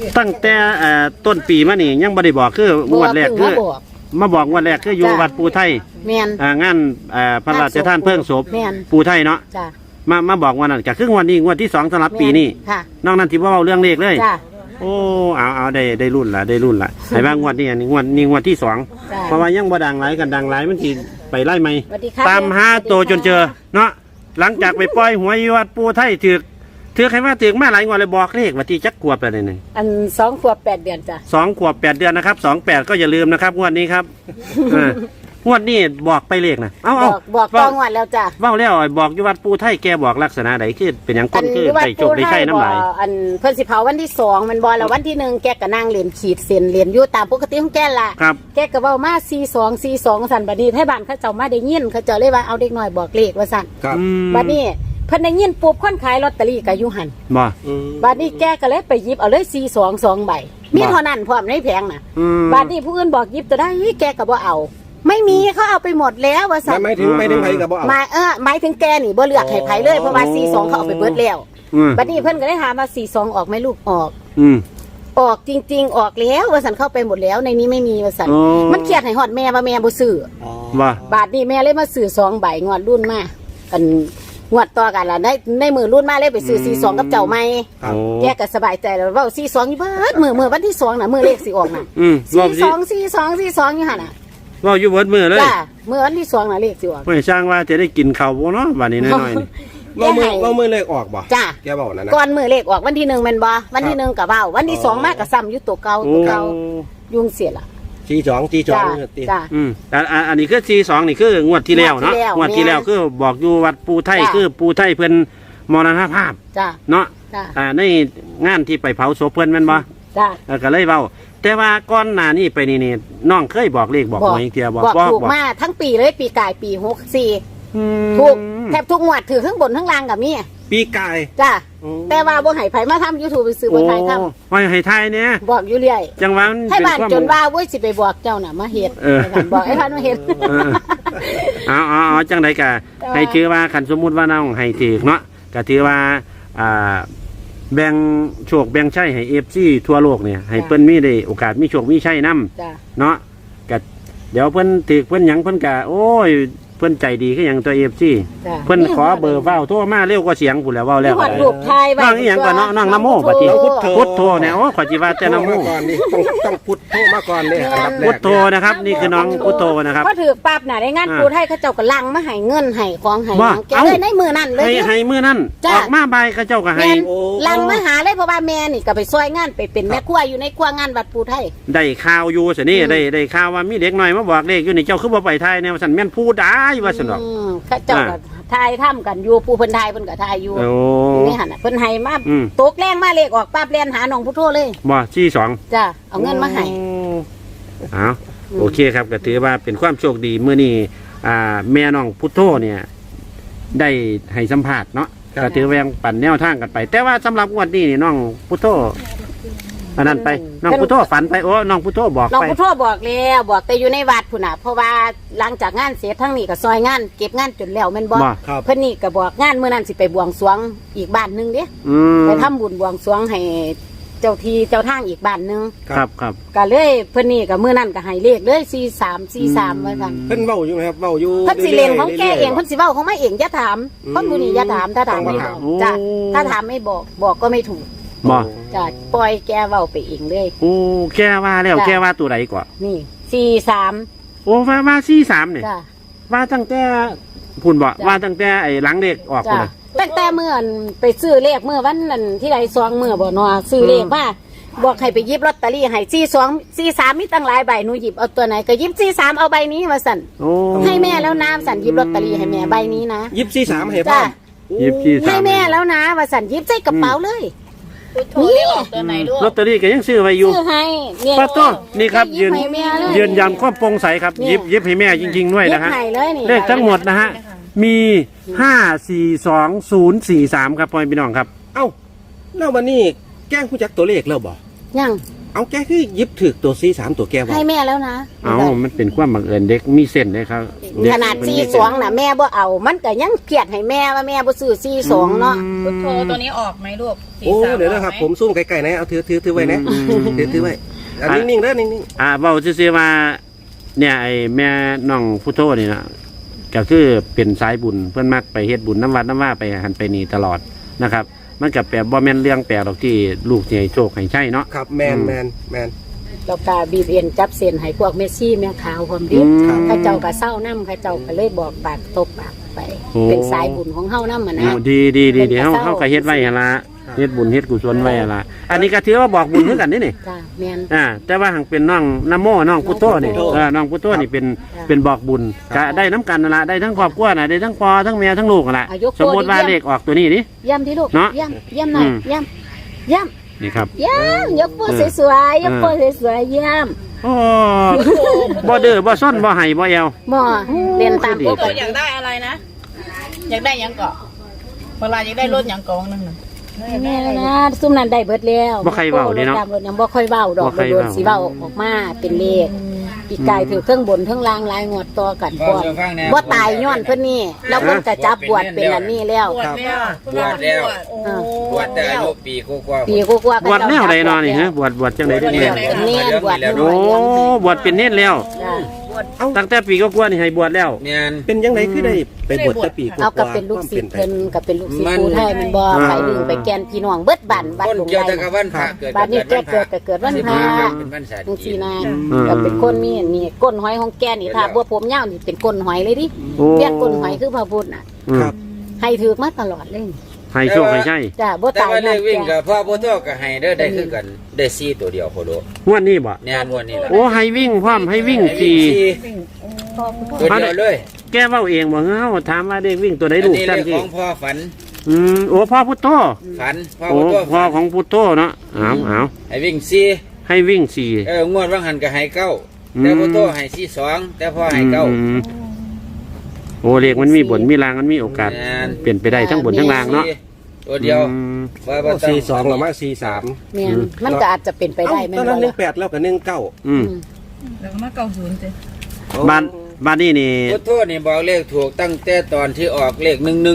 ตั้งแต่ต้นปีมานี่ยังบ่ได้บอกคืองวดแรกคือมาบอกงวดแรกคืออยู่วัดปูไทยแม่นงานพระราชทานเพลิงศพปูไทยเนาะมาบอกวันนั้นก็คืองวดนี้งวดที่2สำหรับปีนี้นอกนั้นที่ว่าเรื่องเลขเลยโอ้เอาได้รุ่นละให้บ้างงวดนี้งวดที่2เพราะว่ายังบ่ดังหลายกันดังหลายมันสิไปไล่ไหมตามหาโตจนเจอเนาะหลังจากไปปล่อยหวยวัดปูไทยถือใครว่าถือมาหลายงวดเลยบอกเลขว่าที่จักขวบอะไรนี่อัน2 ขวบ 8 เดือนจ้ะ 2 ขวบ 8 เดือนนะครับ28ก็อย่าลืมนะครับงวดนี้ครับงวดนี้บอกไปเลขนะบอกต่องวดแล้วจ้ะเว้าแล้วบอกอยู่วัดปูไทยแกบอกลักษณะใดคือเป็นอย่างก้นคือได้โชคได้ใช่น้ำลายอันเพิ่นสิเผาวันที่2มันบ่แล้ววันที่1แกก็นั่งเรียนขีดเส้นเรียนอยู่ตามปกติของแกล่ะแกก็เว้ามา42สั่นบัดนี้ให้บ้านเขาเจ้ามาได้ยินเขาเจ้าเลยว่าเอาเด็กน้อยบอกเลขว่าสั่นบัดนี้เพิ่นได้ยินปุ๊บคนขายลอตเตอรี่ก็อยู่หั่นบัดนี้แกก็เลยไปหยิบเอาเลย42 ใบมีเท่านั้นพร้อมในแผงน่ะบัดนี้ผู้อื่นบอกหยิบตัวได้แกก็บ่เอาไม่มีเขาเอาไปหมดแล้วว่าสั่นไม่ถึงไผกับบ่เอาหมายถึงแกนี่บ่เลือกให้ไผเลยเพราะว่า42เขาเอาไปเบิดแล้วบัดนี้เพิ่นก็ได้ถามว่า42ออกไหมลูกออกออกจริงๆออกแล้วว่าสั่นเข้าไปหมดแล้วในนี้ไม่มีว่าสั่นมันเครียดให้ฮอดแม่ว่าแม่บ่ซื้อว่าบาทนี้แม่เลยมาซื้อ2 ใบงวดรุ่นมาอันงวดต่อกันล่ะในมือรุ่นมาเลยไปซื้อ42กับเจ้าใหม่แกก็สบายใจแล้วเว้า42อยู่เบิดมือวันที่2น่ะมือเลขสิออกน่ะ42อยู่หั่นน่ะว่าอยู่เบิดมือเลยจ้ะมือวันที่2น่ะเลขสิออกไม่ช่างว่าจะได้กินข้าวบ่เนาะวันนี้น้อยๆนี่ว่ามือเลขออกบ่จ้ะแกบอกนั่นนะก่อนมือเลขออกวันที่1แม่นบ่วันที่1ก็เว้าวันที่2มาก็ซ้ำอยู่ตัวเก่ายุ่งเสียล่ะ 42 จ้ะอันนี้คือ42นี่คืองวดที่แล้วเนาะงวดที่แล้วคือบอกอยู่วัดปูไทยคือปูไทยเพิ่นมรณภาพเนาะในงานที่ไปเผาศพเพิ่นแม่นบ่ก็เลยเว้าแต่ว่าก่อนหน้านี้ไปนี่น้องเคยบอกเลขบอกหวยเทียบอกถูกมาทั้งปีเลยปีกายปี64ถูกแทบทุกงวดถือทั้งบนทั้งล่างกับมีปีกายจ้ะแต่ว่าบ่ให้ไผมาทำ YouTube ไปซื้อบ่ไทยทำไม่ให้ไทยเนี่ยบอกอยู่เรื่อยจังหวะให้บ้านจนว่าเว้ยสิไปบอกเจ้าน่ะมาเฮ็ดบอกไอ้ท่านมาเฮ็ดจังได๋ก็ให้ถือว่าคันสมมุติว่าน้องให้ถือเนาะก็ถือว่าแบ่งโชคแบ่งชัยให้ FC ทั่วโลกเนี่ยให้เพิ่นมีได้โอกาสมีโชคมีชัยนำเนาะก็เดี๋ยวเพิ่นถือเพิ่นหยังเพิ่นก็โอ้ยเพิ่นใจดีคือหยังตัว FC เพิ่นขอเบอร์เว้าโทรมาเร็วกว่าเสียงพุ่นแล้วเว้าแล้วน้องอีหยังก็น้องนโมบัดนี้พุทโธเนี่ยโอ้ขอจิว่าแต่นโมก่อนนี่ต้องพุทโธมาก่อนเด้พุทโธนะครับนี่คือน้องพุทโธนะครับพอถือปั๊บน่ะในงานปูไทยเขาเจ้าก็ลังมาให้เงินให้ของให้แกเลยในมือนั่นเลยให้มือนั่นออกมาใบเขาเจ้าก็ให้ลังมาหาเลยเพราะว่าแม่นี่ก็ไปช่วยงานไปเป็นแม่ครัวอยู่ในครัวงานวัดปูไทยได้ข่าวอยู่สินี่ได้ข่าวว่ามีเด็กน้อยมาบอกเลขอยู่นี่เจ้าคือบ่ไปไทยเนี่ยว่าซั่นแม่นพูดได้ว่าซั่นดอกเขาเจ้าก็ทายทำกันอยู่ปูเพิ่นทายเพิ่นก็ทายอยู่นี่หั่นน่ะเพิ่นให้มาตกแรงมาเลขออกปั๊บเรียนหาน้องพุทโธเลยบ่42 จ้ะเอาเงินมาให้โอเคครับก็ถือว่าเป็นความโชคดีมื้อนี้แม่น้องพุทโธเนี่ยได้ให้สัมภาษณ์เนาะก็ถือว่ายังปั่นแนวทางกันไปแต่ว่าสำหรับงวดนี้นี่น้องพุทโธอันนั้นไปน้องพุทโธฝันไปโอ้น้องพุทโธบอกไปน้องพุทโธบอกแล้วบอกแต่อยู่ในวัดพุ่นน่ะเพราะว่าหลังจากงานเสร็จทั้งนี้ก็ซอยงานเก็บงานจนแล้วแม่นบ่เพิ่นนี่ก็บอกงานมื้อนั้นสิไปบวงสรวงอีกบ้านนึงเด้ไปทำบุญบวงสรวงให้เจ้าที่เจ้าทางอีกบ้านนึงครับก็เลยเพิ่นนี่ก็มื้อนั้นก็ให้เลขเลย43ว่าซั่นเพิ่นเว้าอยู่มั้ยครับเว้าอยู่เพิ่นสิเล่นของแกเองเพิ่นสิเว้าของมาเองอย่าถามคนผู้นี้อย่าถามถ้าถามไม่บอกจ้ะถ้าถามไม่บอกก็ไม่ถูกจ้ะปล่อยแกเว้าไปเองเลยโอ้แกว่าแล้วแกว่าตัวใดกว่านี่43 โอ้ว่า43เนี่ยว่าตั้งแต่พุ่นบ่ว่าตั้งแต่ไอ้หลังเด็กออกพุ่นตั้งแต่เมื่อไปซื้อเลขเมื่อวันนั้นที่ใด2มื้อบ่เนาะซื้อเลขมาบอกให้ไปหยิบลอตเตอรี่ให้42 43มีตั้งหลายใบหนูหยิบเอาตัวไหนก็หยิบ43เอาใบนี้ว่าสั่นให้แม่แล้วนะสั่นหยิบลอตเตอรี่ให้แม่ใบนี้นะหยิบ43ให้พ่อหยิบ43 ให้แม่แล้วนะว่าสั่นหยิบใส่กระเป๋าเลยนี่ลอตเตอรี่ก็ยังซื้อไว้อยู่ซื้อให้ป้าต้นนี่ครับยืนยันความโปร่งใสครับหยิบให้แม่จริงๆด้วยนะฮะเลขทั้งหมดนะฮะมี542043ครับพ่อพี่น้องครับเอ้าแล้ววันนี้แกล้งผู้จักตัวเลขแล้วบ่ยังเอาแกคือหยิบถึกตัว43ตัวแกบอกให้แม่แล้วนะเอามันเป็นความบังเอิญเด็กมีเส้นเลยครับเกขนาดมันมี 42น่ะแม่บ่เอามันก็ยังเกลียดให้แม่ว่าแม่บ่ซื้อ42เนาะพุทโธตัวนี้ออกไหมลูกโอ้เดี๋ยวนะครับผมซูมไกลๆนะเอาถือไว้นะถือไว้นิ่งๆเด้อนิ่งเว้าซื่อๆว่าเนี่ยไอ้แม่น้องพุทโธนี่นะก็คือเป็นสายบุญเพิ่นมักไปเฮ็ดบุญน้ำวัดน้ำว่าไปหันไปนี่ตลอดนะครับ มันก็แปลบ่แม่นเรื่องแปลกหรอกที่ลูกสิให้โชคให้ใช่เนาะๆครับแมนแล้วก็บีบเอ็นจับเส้นให้พวกเมสซี่แม่ขาวความดีครับข้าเจ้าก็เศร้านํข้าเจ้าก็เลยบอกปากตบปากไปโอ้เป็นสายบุญของเฮานำอ่ะนะดีเฮาก็เฮ็ดไว้หั่นล่ะเฮ็ดบุญเฮ็ดกุศลไว้หั่นล่ะอันนี้ก็ถือว่าบอกบุญคือกันนี่จ้าแม่นแต่ว่าหังเป็นน้องนโมน้องพุทโธนี่น้องพุทโธนี่เป็นบอกบุญก็ได้น้ำกันนั่นล่ะได้ทั้งครอบครัวน่ะได้ทั้งพ่อทั้งแม่ทั้งลูกนั่นล่ะสมมุติว่าเลขออกตัวนี้ดิย่ำที่ลูกเนาะย่ำหน่อยย่ำนี่ครับยกโป้สวยๆยกโป้สวยๆย่โอ้บ่เด้อบ่ซ่อนบ่ให้บ่แอวำหม้อเรียนตามปกตัวติอยากได้อะไรนะ อยากได้หยังเกาะเวลาอยากได้รถหยังเกาะนึงน่ะแม่แล้วนะซุ่มนั้นได้เบิดแล้วบ่ใครเว้าเด้เนาะตามรถยังบ่ค่อยเว้าดอกบ่ค่อยโดนเว้าสิเว้าออกมาเป็นเลขปีกายถือเครื่องบนเครื่องล่างลายงวดต่อกันพร้อมบ่ตายย้อนเพิ่นนี่แล้วเพิ่นก็จับบวชเป็นอันนี้แล้วปวดแล้วบวชแล้วโอ้บวชแต่อายุปีกว่าๆปีกว่าๆบวชแนวใดเนาะนี่ฮะบวชจังได๋บวชเด้อเป็นเนียนบวชโอ้บวชเป็นเนตรแล้วจ้ะตั้งแต่ปีกว่าๆนี่ให้บวชแล้วแม่นเป็นยังไงคือได้ไปบวชแต่ปีกว่าเอากับเป็นลูกศิษย์ไปเพิ่นกับเป็นลูกศิษย์มันครูไทยมันบ่ไปดึงไปแกนพี่น้องเบิดบ้านบ้านคนหลวงเกี่ยวใหญ่แต่กับวันพระเกิดบ้านนี้แกวันพเกิระดก็เกิดวันพระเป็นวันศาสตร์จังซี่นะอืมก็เป็นคนมีอันนี่ก้นหอยของแกนี่ถ้าบัวผมยาวนี่เป็นก้นหอยเลยดิโอ้เรียกก้นหอยคือพระพุทธน่ะครับให้ถือมาตลอดเลยให้โชคให้ใช่จ้ะบ่แต่ตายว่าเลนั่ขนวิ่งแกกับพ่อพ่อโตก็ให้เด้อได้คือกันได้4ตัวเดียวโคโลงวดนี้บ่แน่นวันนี้ล่ะโอ้ให้วิ่งพร้อมให้วิ่งสี่ตัวเดียวเลยแกเว้าเองบ่เฮาถามว่าเด็กวิ่งตัวใดอันลูกนี้จัเลงขที่ของพ่อฝันโอ้พ่อพุทโธฝันพ่อโอ้พ่อโตพ่อฝันของพุทโธเนาะเอาให้วิ่งให้วิ่งสี่ 4งวดว่างหันก็ให้9แต่พ่อโตให้42แต่พ่อให้9 โอ้เลขมันมีบนมีรางมันมีโอกาสแม่นเปลี่ยนไปได้ทั้งบนทั้งรางเนาะตัวเดียวว่าบ่ต้อง 42หรือมา43 แม่นมันก็อาจจะเป็นไปได้แม่นตอนบ่นั้นล่ะ 18แล้วก็19 อืมแล้วก็มาเก่าศูนย์เจ้บ้านนี้นี่พุทโธนี่บอกเลขถูกตั้งแต่ตอนที่ออกเลข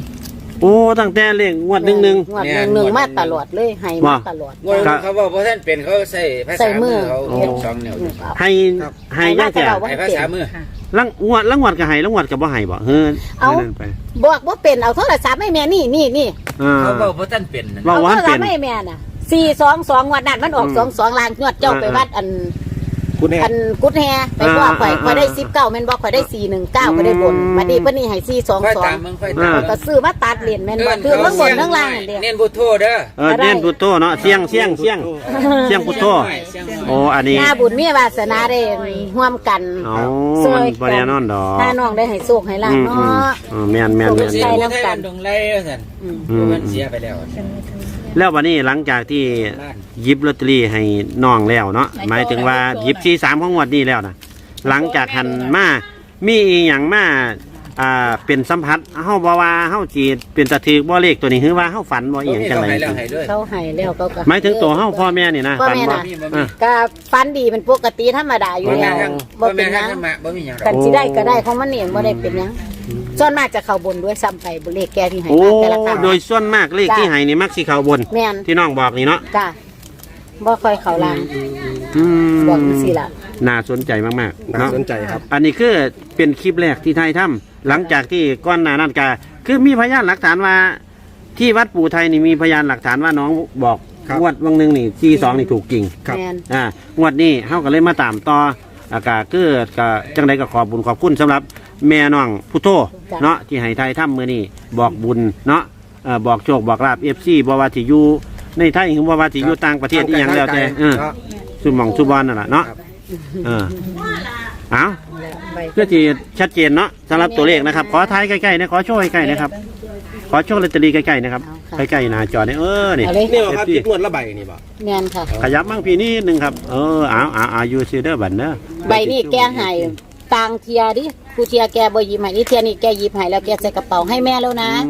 11 โอ้ตั้งแต่เลขงวดหนึ่งงวดหนึ่งมาตลอดเลยให้มาตลอดงวดเขาบอกเพราะท่านเป็นเขาใส่ภาใส่ษามืมืออเขาเก็บสองนิ้วให้ให้ยังแก่ใส่ภาษามือลังงวดก็ให้ลังงวดก็บ่ให้บ่เฮ้ยนั่นไปบอกว่าเป็นเอาโทรศัพท์ให้แม่นี่เขาบอกเพราะท่านเป็นนั่นว่าเอาว่าโทรศัเป็พนท์ให้แม่น่ะ422วันนั้นมันออก22ล้านงวดเจ้าไปวัดอันคุณแฮอันกุดแฮไปว่าข่อยได้19แม่นบ่ข่อยได้419ข่อยได้บนมาดีเพิ่นนี่ให้ค่อยตามมึงค่อยตาม 422ก็ซื้อมาตัดเหรียญแม่นบ่คือเรื่องบนเรื่องล่างนั่นเด้เน้นพุทโธเด้อเน้นพุทโธเนาะเสียงพุทโธโอ้อันนี้หน้าบุญมีวาสนาได้ร่วมกันอ๋อมันบ่แน่นอนดอกถ้าน้องได้ให้โชคให้ลาภเนาะแม่นเสียพุทไทยมันดงไล่ท่านมันเสียไปแล้วแล้ววันนี้หลังจากที่หยิบลอตเตอรี่ให้น้องแล้วเนาะหมายถึงว่าหยิบ43ของงวดนี้แล้วนะหลังจากหันมามีอีหยังมาเป็นสัมผัสเฮาบ่ว่าเฮาสิเป็นตะถือบ่เลขตัวนี้คือว่าเฮาฝันบ่อีหยังจังได๋แล้วให้ด้วยเขาให้แล้วเขาก็หมายถึงตัวเฮาพ่อแม่นี่นะพ่อฝันแม่บ่น่ะก็ฟันดีเป็นปกติธรรมดาอยู่บ่แล้วแม่ทั้งบ่บ่เป็แม่นหทั้ยัง งมาบ่มีหยังกันสิได้ก็ได้ของมันเองบ่ได้เป็นหยังส่วนมากจะเข้าบนด้วยซ้ำไปบ่เลขแก่ที่ให้โอ้มาแต่ละครั้งโดยส่วนมากเลขที่ให้นี่มักสิเข้าบนแม่นที่น้องบอกนี่เนาะจ้ะบ่ค่อยเข้าล่างอืมบอกจังซี่ล่ะน่าสนใจมากๆน่าเนาะสนใจครับอันนี้คือเป็นคลิปแรกที่ไทยทำหลังจากที่ก้อนหน้านั้นก็คือมีพยานหลักฐานว่า ที่วัดปู่ไทยนี่มีพยานหลักฐานว่าน้องบอกครับงวดวังหนึงนี่42นี่ถูกจริงครับแม่นงวดนี้เฮาก็เลยมาตามต่อก็คือก็จังไดก็ขอบบุญขอบคุณสำหรับแม่น้องพุทโธเนาะที่ให้ไทยทำมื้อนี้บอกบุญเนาะบอกโชคบอกลาบ FC บ่ว่าสิอยู่ในไทยหรือบ่ว่าสิอยู่ต่างประเทศอีหยังแล้วแต่สุหม่องสุบอนนั่นล่ะเนาะเอาเพื่อที่ชัดเจนเนาะสำหรับตัวเลขนะครับ ขอท้ายใกล้ๆนะขอโชว์ใกล้ๆนะครับ ขอโชว์ลอตเตอรี่ใกล้ๆนะครับใกล้ๆหน้าจอเนี่ยนี่เอาเลยนี่บ่ครับจิตนวดละใบนี่บ่แม่นค่ะขยับมั่งพี่นิดนึงครับเอาอยู่ซีเดอร์บันเนอะใบนี้แกให้ต่างเทียดิผู้เทียแกบ่หยิบให้นี่เทียนี่แกหยิบให้แล้วแกใส่กระเป๋าให้แม่แล้วนะค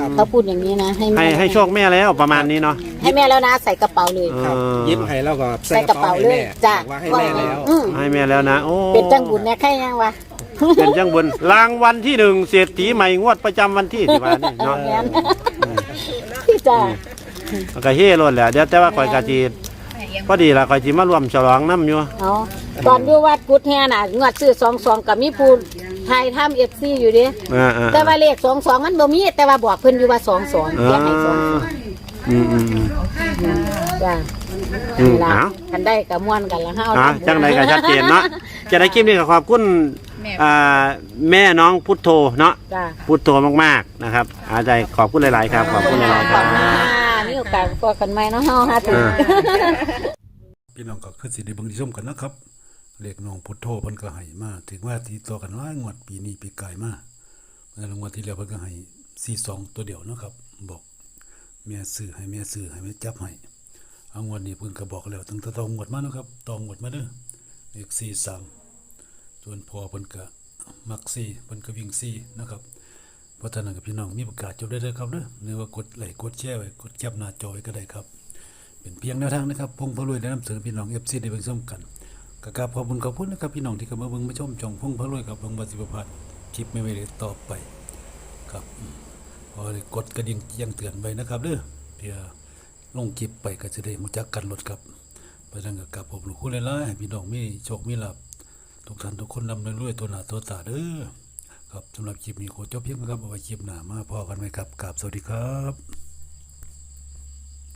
เขาพูดอย่างนี้นะให้แม่ให้โชคแม่แล้วประมาณนี้เนาะให้แม่แล้วนะใส่กระเป๋าเลยครับยิ้มให้แล้วก็ใส่กระเป๋าเลยจ้ะบอกว่าให้แม่แล้วให้แม่แล้วนะโอ้เป็นจังบุญเนี่ยแค่ยังวะเป็นจังบุญรางวัลที่หนึ่งเศรษฐีใหม่งวดประจำวันที่สิบานี่เนาะแม่นพี่จ้ามันก็เฮ่ล้นแหละเดี๋ยวแต่ว่าข่อยกะจีพอดีละข่อยจีมารวมฉลองน้ำอยู่เอาตอนอยู่วัดกุดแห่น่ะงวดซื้อ22กับมีผู้ไทยทำ FC อยู่ดิ แต่ว่าเลข22มันบ่มีแต่ว่าบอกเพิ่นอยู่ว่า22เขียนให้22 อืมจ้าเอาคันได้ก็ม่วนกันละเฮาจังใดก็ชัดเจนเนาะจะได้คลิปนี้ก็ขอบคุณแม่น้องพุทโธเนาะจ้าพุทโธมากๆนะครับอาใจขอบคุณหลายๆครับขอบคุณหลายๆครับมีโอกาสพบกันใหม่เนาะเฮาหาถึงพี่น้องก็คือสิได้เบิ่งที่ชมกันนะครับเลขน้องพุทโธเพิ่นก็ให้มาถึงว่าที่ต่อกันหลายงวดปีนี้ปีกายมาเมื่องวดที่แล้วเพิ่นก็ให้42ตัวเดียวนะครับบอกแม่ซื้อให้แม่จับให้เอางวดนี้เพิ่นก็บอกแล้วตั้งแต่ต้องงวดมาเนาะครับต้องงวดมาเด้อเลข43ส่วนพอเพิ่นก็มัก4เพิ่นก็วิ่ง4นะครับเพราะฉะนั้นกับพี่น้องมีประกาศจบได้เลยครับเด้อหรือว่ากดไลค์กดแชร์ไว้กดแคปหน้าจอไว้ก็ได้ครับเป็นเพียงแนวทางนะครับพงพะรวยได้นำเสนอพี่น้อง FC ได้เบิ่งชมกันก็กราบขอบคุณนะครับพี่น้องที่เข้ามาเบิ่งมาชมช่องพงพะรวยกับเบิ่งบ่สิบ่พลาดคลิปใหม่ๆต่อไปครับพอได้กดกระดิ่งแจ้งเตือนไว้นะครับเด้อเพื่อลงคลิปไปก็จะได้รู้จักกันลดครับเพราะฉะนั้นก็กราบขอบคุณหลายๆให้พี่น้องมีโชคมีลาภทุกท่านทุกคนร่ำรวยตัวหน้าตัวตาเด้อครับสำหรับคลิปนี้ขอจบเพียงเท่านี้ครับเอาไว้คลิปหน้ามาพอกันไหมครับกราบสวัสดีครับ